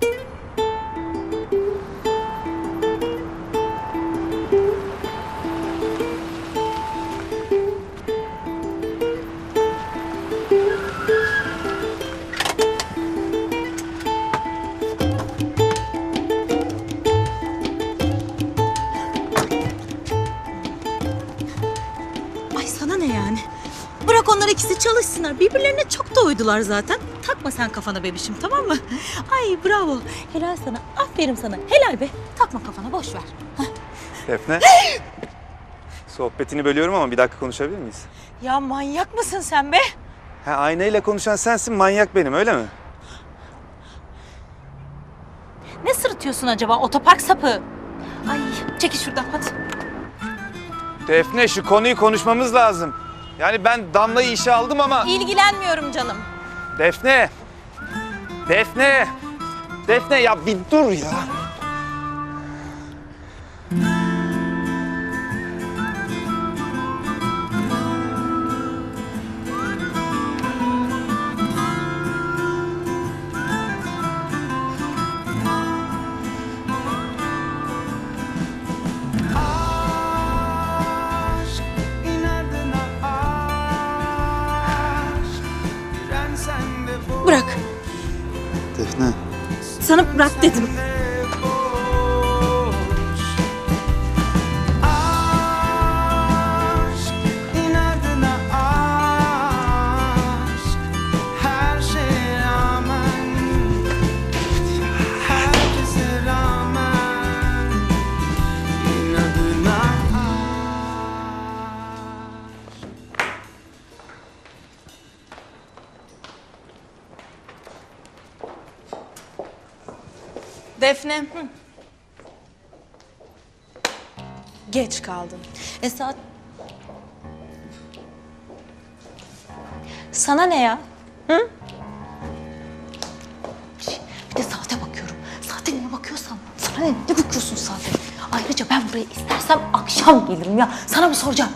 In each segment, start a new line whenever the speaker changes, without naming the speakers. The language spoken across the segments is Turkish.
Ay sana ne yani? Bırak onlar ikisi çalışsınlar. Birbirlerine çok da uydular zaten. Takma sen kafana bebişim, tamam mı? Ay bravo. Helal sana. Aferin sana. Helal be. Takma kafana, boş ver.
Defne. Sohbetini bölüyorum ama bir dakika konuşabilir miyiz?
Ya manyak mısın sen be?
Ha, aynayla konuşan sensin, manyak benim, öyle mi?
Ne sırıtıyorsun acaba otopark sapı? Ay çekil şuradan hadi.
Defne, şu konuyu konuşmamız lazım. Yani ben Damla'yı işe aldım ama...
İlgilenmiyorum canım.
Defne! Defne! Defne ya bir dur ya.
Bırak.
Defne.
Sana bırak dedim.
Defne. Geç kaldın.
Saat... Sana ne ya? Hı? Bir de saate bakıyorum. Saate niye bakıyorsan? Sana ne? Ne bakıyorsun saate? Ayrıca ben buraya istersem akşam gelirim ya. Sana mı soracağım?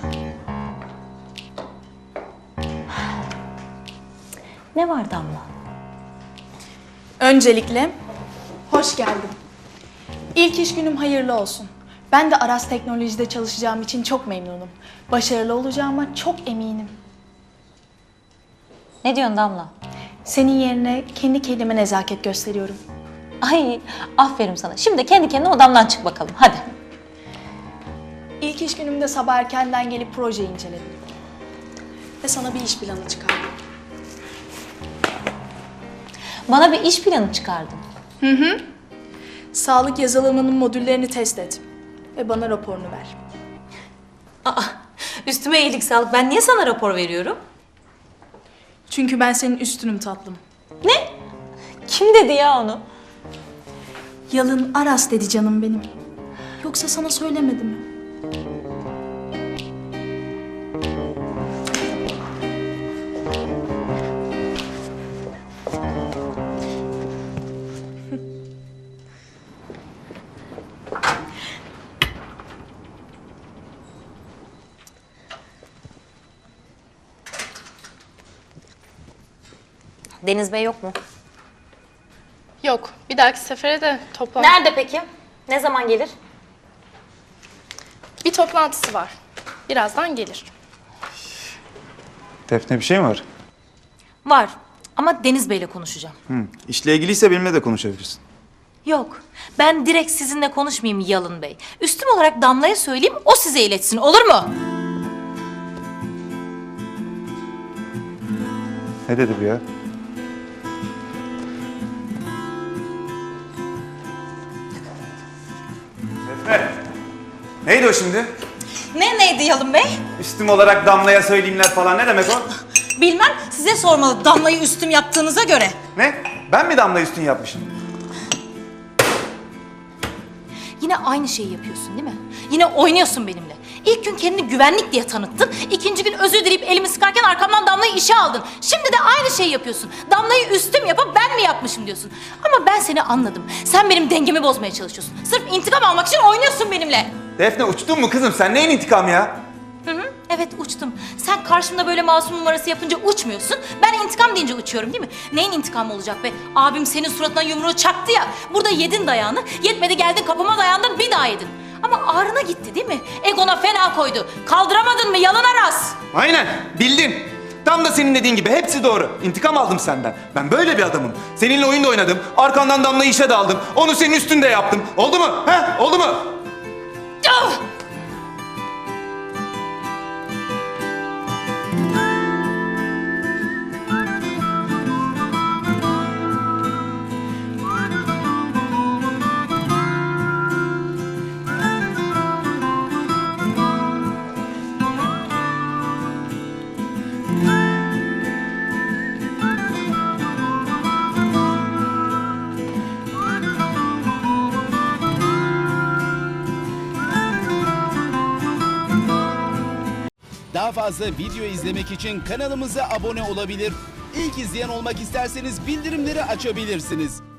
Ne var Damla?
Öncelikle hoş geldin. İlk iş günüm hayırlı olsun. Ben de Aras Teknoloji'de çalışacağım için çok memnunum. Başarılı olacağıma çok eminim.
Ne diyorsun Damla?
Senin yerine kendi kendime nezaket gösteriyorum.
Ay aferin sana. Şimdi kendi kendine odamdan çık bakalım. Hadi.
İlk iş günümde sabah erkenden gelip projeyi inceledim. Ve sana bir iş planı çıkardım.
Bana bir iş planı çıkardın.
Sağlık yazılımının modüllerini test et. Ve bana raporunu ver.
Aa, üstüme iyilik sağlık. Ben niye sana rapor veriyorum?
Çünkü ben senin üstünüm tatlım.
Ne? Kim dedi ya onu?
Yalın Aras dedi canım benim. Yoksa sana söylemedi mi?
Deniz Bey yok mu?
Yok. Bir dahaki sefere de toplantı...
Nerede peki? Ne zaman gelir?
Bir toplantısı var. Birazdan gelir.
Defne, bir şey mi var?
Var ama Deniz Bey'le konuşacağım.
İşle ilgiliyse benimle de konuşabilirsin.
Yok. Ben direkt sizinle konuşmayayım Yalın Bey. Üstüm olarak Damla'ya söyleyeyim, o size iletsin. Olur mu?
Ne dedi bu ya? Defne! Neydi o şimdi?
Neydi Yalın Bey?
Üstüm olarak Damla'ya söyleyeyimler falan, ne demek o?
Bilmem, size sormalı Damla'yı üstüm yaptığınıza göre.
Ne? Ben mi Damla'yı üstün yapmışım?
Yine aynı şeyi yapıyorsun değil mi? Yine oynuyorsun benimle. İlk gün kendini güvenlik diye tanıttın. İkinci gün özür dileyip elimi sıkarken arkamdan Damla'yı işe aldın. Şimdi de aynı şeyi yapıyorsun. Damla'yı üstüm yapıp ben mi yapmışım diyorsun. Ama ben seni anladım. Sen benim dengemi bozmaya çalışıyorsun. Sırf intikam almak için oynuyorsun benimle.
Defne, uçtun mu kızım? Sen neyin intikamı ya?
Evet. Evet uçtum. Sen karşımda böyle masum numarası yapınca uçmuyorsun. Ben intikam deyince uçuyorum değil mi? Neyin intikamı olacak be? Abim senin suratına yumruğu çaktı ya. Burada yedin dayağını. Yetmedi geldin kapıma dayandın bir daha yedin. Ama ağrına gitti değil mi? Egona fena koydu. Kaldıramadın mı yalan Aras?
Aynen, bildin. Tam da senin dediğin gibi hepsi doğru. İntikam aldım senden. Ben böyle bir adamım. Seninle oyun da oynadım. Arkandan Damla'yı işe de aldım. Onu senin üstünde yaptım. Oldu mu? He? Oldu mu?
Ah!
Daha fazla video izlemek için kanalımıza abone olabilir. İlk izleyen olmak isterseniz bildirimleri açabilirsiniz.